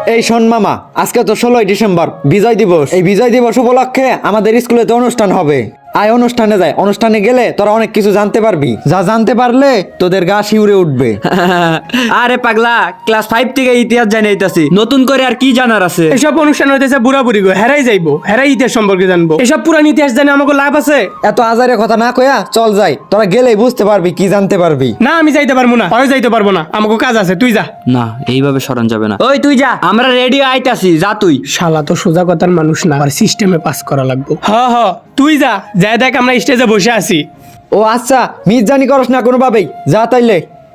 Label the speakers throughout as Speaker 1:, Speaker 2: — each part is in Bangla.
Speaker 1: এই শোন মামা, আজকে তো 16ই ডিসেম্বর বিজয় দিবস। এই বিজয় দিবস উপলক্ষে আমাদের স্কুলেতে অনুষ্ঠান হবে। আয় অনুষ্ঠানে যায়, অনুষ্ঠানে গেলে তোরা অনেক কিছু জানতে পারবি, যা জানতে পারলে তোদের গা শিউরে উঠবে।
Speaker 2: আরে পাগলা, ক্লাস 5 থেকে ইতিহাস জানি আইতাছি, নতুন করে আর কি জানার আছে?
Speaker 3: এসব অনুষ্ঠান হইতেছে বুড়া বুড়ি গো, হেরাই যাইবো, হেরাই ইতিহাস সম্পর্কে জানবো। এসব পুরান ইতিহাস জানে আমাকে লাভ আছে?
Speaker 1: এত আজারে কথা না কয়া চল যাই, তোরা গেলেই বুঝতে পারবি কি জানতে পারবি।
Speaker 3: না আমি যাইতে পারবো না, আমি যাইতে পারবো না, আমাকে কাজ আছে, তুই যা।
Speaker 2: না, এইভাবে সরান যাবে না। ওই তুই যা, আমরা রেডি আইতাছি, যা তুই।
Speaker 3: শালা তো সোজা কথার মানুষ না, আর সিস্টেমে পাস করা লাগবে। হ তুই যা, যাই দেখ আমরা স্টেজে বসে আছি।
Speaker 1: ও আচ্ছা, মির্জানি করস না কোনোভাবেই, যা তাইলে।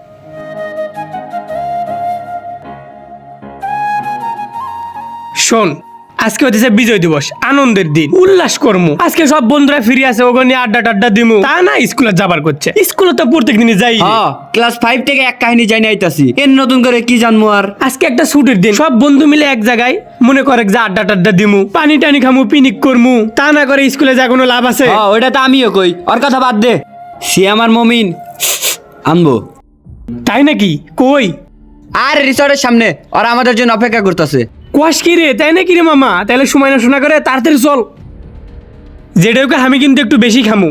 Speaker 3: শোন, আজকে হচ্ছে বিজয় দিবস, আনন্দের দিন, উল্লাস করমু। আজকে সব বন্ধুরা ফিরে আছে, ওখানে আড্ডা টাড্ডা দিমু। তা না স্কুলে যাবার করছে, স্কুলে তো প্রত্যেক দিনই যাই।
Speaker 2: হ্যাঁ, ক্লাস 5 থেকে এক কাহিনী জানি আইতাছি, এর নতুন করে কি জানবো আর?
Speaker 3: আজকে একটা ছুটির দিন, সব বন্ধু মিলে এক জায়গায় মনে করে যে আড্ডা টাড্ডা দিমু, পানি টানি খামু, পিকনিক করমু। তা না করে স্কুলে যা কোনো লাভ আছে?
Speaker 2: হ্যাঁ, ওইটা তো আমিও কই, ওর কথা বাদ দে। সে আমার মমিন আনবো।
Speaker 3: তাই নাকি? কই?
Speaker 2: আর রিসর্টের সামনে, ওরা আমাদের জন্য অপেক্ষা করতেছে।
Speaker 3: কোয়াশ কি রে? তাই নাকি রে মামা? তাহলে সময় না শোনা করে তাড়াতাড়ি চল। যেটাকে আমি কিন্তু একটু বেশি খামু।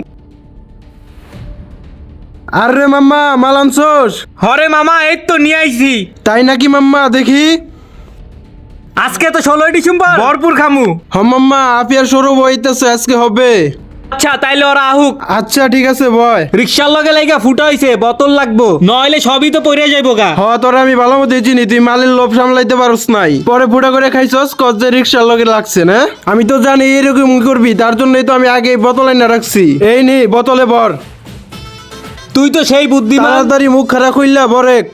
Speaker 4: আরে মাম্মা, মাল আনছোস?
Speaker 3: হরে মামা, এই তো নিয়ে আইছি।
Speaker 4: তাই নাকি মাম্মা? দেখি।
Speaker 3: আজকে তো 16ই ডিসেম্বর, ভরপুর খামু।
Speaker 4: হ মাম্মা, আপিয়ার সৌরভ হইতেছে, আজকে হবে।
Speaker 3: আচ্ছা তাইলে ওরা আহুক।
Speaker 4: আচ্ছা ঠিক আছে বয়।
Speaker 3: রিক্সার লগে লাইগা ফুটা হইছে, বোতল লাগবো, নইলে সবই তো পড়ে যাইবো গা।
Speaker 4: হ, তোরা আমি ভালো মতো চিনি, তুই মালের লোভ সামলাইতে পারস নাই। পরে ফুটা করে খাইছস, কত যে রিক্সার লগে লাগছে না। আমি তো জানি এরকম করবি, তার জন্যই তো আমি আগে বোতল এনে রাখছি। এই নি বোতলে ভর।
Speaker 3: তুই তো সেই বুদ্ধিমান।
Speaker 4: তাড়াতাড়ি মুখ খারাপ হইলা বরেক।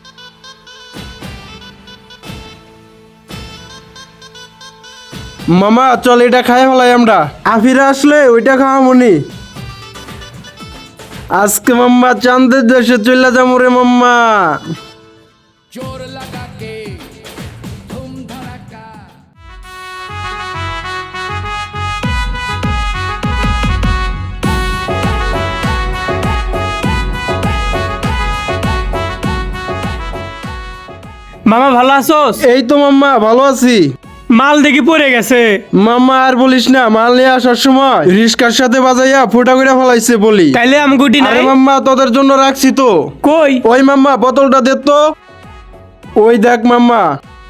Speaker 4: মামা চল, এটা খাই ফেলাই আমরা। আফিরা আসলে ওইটা খাওয়া মনি। আজকে মাম্মা চাঁদের দেশে চলে যাবো রে মাম্মা।
Speaker 3: মামা ভালো আছোস?
Speaker 4: এই তো মাম্মা ভালো আছি।
Speaker 3: মাল দেখি পড়ে গেছে।
Speaker 4: মাম্মা আর বলিস না, মাল নিয়ে আসার সময় রিস্কার সাথে বাজাইয়া ফুটা করে ফেলাইছে বলি।
Speaker 3: তাইলে আমগুটি নাই?
Speaker 4: আরে মাম্মা তোদের জন্য রাখছি তো।
Speaker 3: কই?
Speaker 4: ওই মাম্মা বোতলটা দে তো। ওই দেখ মাম্মা,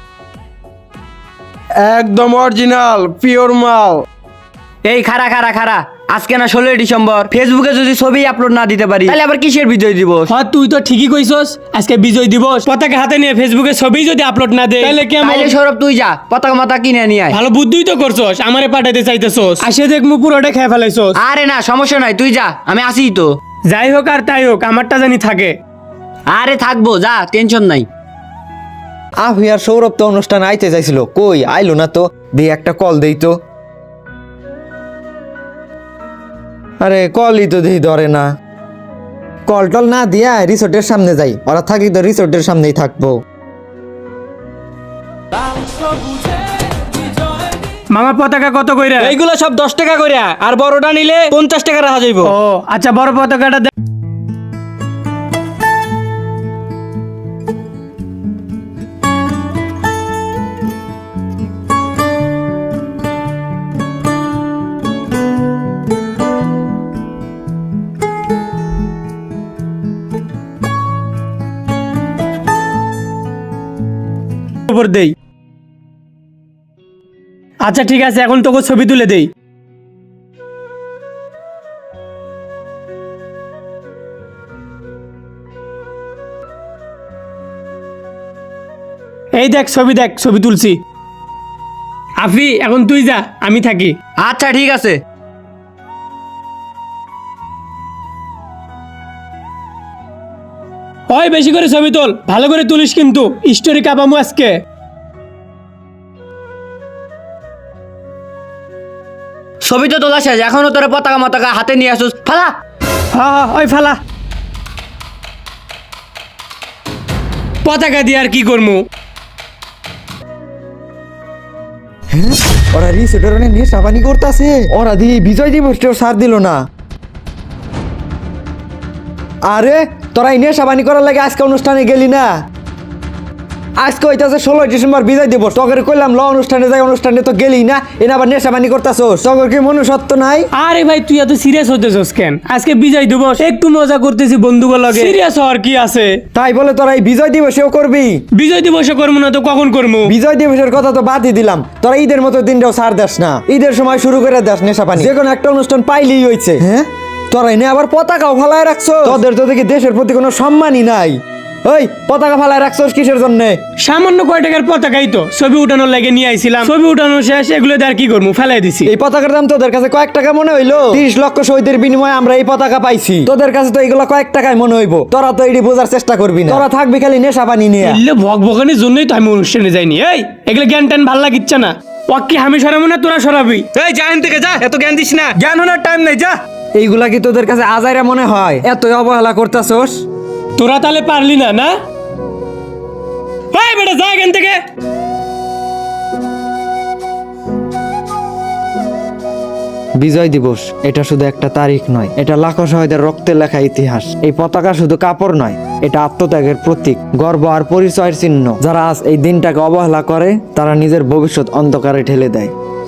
Speaker 4: একদম অরিজিনাল পিওর মাল।
Speaker 2: এই খারা খারা খারা, আজকে না 16ই ডিসেম্বর, ফেসবুকে যদি ছবি আপলোড না দিতে পারি তাহলে আবার কিসের বিজয় দিবস?
Speaker 3: হ্যাঁ তুই তো ঠিকই কইছস, আজকে বিজয় দিবস। পতাকা হাতে নিয়ে ফেসবুকে ছবি যদি আপলোড না দেয় তাহলে কেমন?
Speaker 2: তাইলে সৌরভ তুই যা, পতাকা মাতা কিনে নিয়ে আয়।
Speaker 3: ভালো বুদ্ধিই তো করছস, আমারে পাঠাইতে চাইতেছস, আসে দেখ মু পুরোটা খেয়ে ফেলাইছস।
Speaker 2: আরে না, সমস্যা নাই, তুই যা, আমি আসি তো।
Speaker 3: যাই হোক আর তাই হোক, আমারটা জানি থাকে।
Speaker 2: আরে থাকবো, যা, টেনশন নাই।
Speaker 1: আফিয়ার সৌরভ তো অনুষ্ঠানে আইতে চাইছিল, কই আইলো না তো। দিয়ে একটা কল দেই তো। আরে কলই তো দেখি ধরে না। কল টল না দিয়া রিসোর্টের সামনে যাই, ওরা থাকি তো রিসোর্টের সামনেই থাকবো।
Speaker 3: মামা পতাকা কত কইরা?
Speaker 2: এইগুলো সব 10 টাকা করে, আর বড়টা নিলে 50 টাকা রাখা যাইব।
Speaker 3: ও আচ্ছা, বড় পতাকাটা দে। উপর দেই। আচ্ছা ঠিক আছে, এখন তোকে ছবি তুলে দেই। এই দেখ ছবি, দেখ ছবি তুলছি। আফি এখন তুই যা, আমি থাকি।
Speaker 2: আচ্ছা ঠিক আছে।
Speaker 3: ওই বেশি করে ছবি তোল, ভালো করে তুলিস কিন্তু, স্টোরি কাপামু আজকে।
Speaker 2: ছবি তো তোলা শেষ, এখনো তোরা পতাকা মতাকা হাতে নিয়ে আসুস, ফালা।
Speaker 3: হ্যাঁ ওই ফালা। পতাকা দিয়ে আর কি করবো?
Speaker 1: ওরা রিসোর্টের অনেক নেশাবানি করতেছে, ওরা দিয়ে বিজয় দিবসটাও সার দিল না। আরে তোরা এই নেশাবানি করার লাগে আজকে অনুষ্ঠানে গেলি না? আজকে হইতাছে 16 ডিসেম্বর বিজয় দিবস, তগরে কইলাম ল অনুষ্ঠানে যাই, অনুষ্ঠানে তো গেলি না, এনে আবার নেশাবানি করতাছস, তগর কি মনুষ্যত্ব নাই?
Speaker 3: আরে ভাই তুই এত সিরিয়াস হইতেছস কেন? আজকে বিজয় দিবস, একটু মজা করতেছি বন্ধুগুলো লগে, সিরিয়াস হওয়ার কি আছে?
Speaker 1: তাই বলে তোরা এই বিজয় দিবসেও করবি?
Speaker 3: বিজয় দিবসে করবো না তো কখন করবো?
Speaker 1: বিজয় দিবসের কথা তো বাদই দিলাম, তোরা ঈদের মতো দিনটাও ছাড় দেস না, ঈদের সময় শুরু করে দেস নেশাপানি, যে কোনো একটা অনুষ্ঠান পাইলেই হইছে। হ্যাঁ, তোরা এনে আবার পতাকাও ফালায় রাখছো, তোদের তো দেখি দেশের প্রতি কোনো সম্মানই নাই। ওই পতাকা ফালায় রাখছোস কিসের জন্য?
Speaker 3: সামান্য কয় টাকার পতাকাই তো, ছবি উঠানোর লাগে নিয়ে আইছিলাম, ছবি উঠানো শেষ, এগুলো দিয়ে আর কি করবো, ফেলাই দিছি।
Speaker 1: এই পতাকার দাম তোদের কাছে কয়েক টাকা মনে হইলো? 30 লক্ষ শহীদের বিনিময়ে আমরা এই পতাকা পাইছি, তোদের কাছে তো এগুলো কয়েক টাকায় মনে হইবো, তোরা তো এটি বোঝার চেষ্টা করবি না, তোরা থাকবি খালি নেশা পানি নিয়ে।
Speaker 3: এলে ভগভগানের জন্যই তো আমি অনুষ্ঠানে যাইনি। এই এগুলো জ্ঞান ট্যান ভাল লাগিচ্ছে না, ওকে আমি সরাবো না তোরা সরাবি।
Speaker 5: এই যা এখান থেকে যা, এত জ্ঞান দিস না, জ্ঞান হওয়ার টাইম নেই, যা।
Speaker 1: এইগুলা কি তোদের কাছে আজাইরা মনে হয়? এতই অবহেলা করতাছস?
Speaker 3: তোরা তাহলে পারলি না না? এই বেটা যা এখান থেকে।
Speaker 1: বিজয় দিবস এটা শুধু একটা তারিখ নয়, এটা লাখো শহীদের রক্তে লেখা ইতিহাস। এই পতাকা শুধু কাপড় নয়, এটা আত্মত্যাগের প্রতীক, গর্ব আর পরিচয়ের চিহ্ন। যারা আজ এই দিনটাকে অবহেলা করে তারা নিজের ভবিষ্যৎ অন্ধকারে ঠেলে দেয়।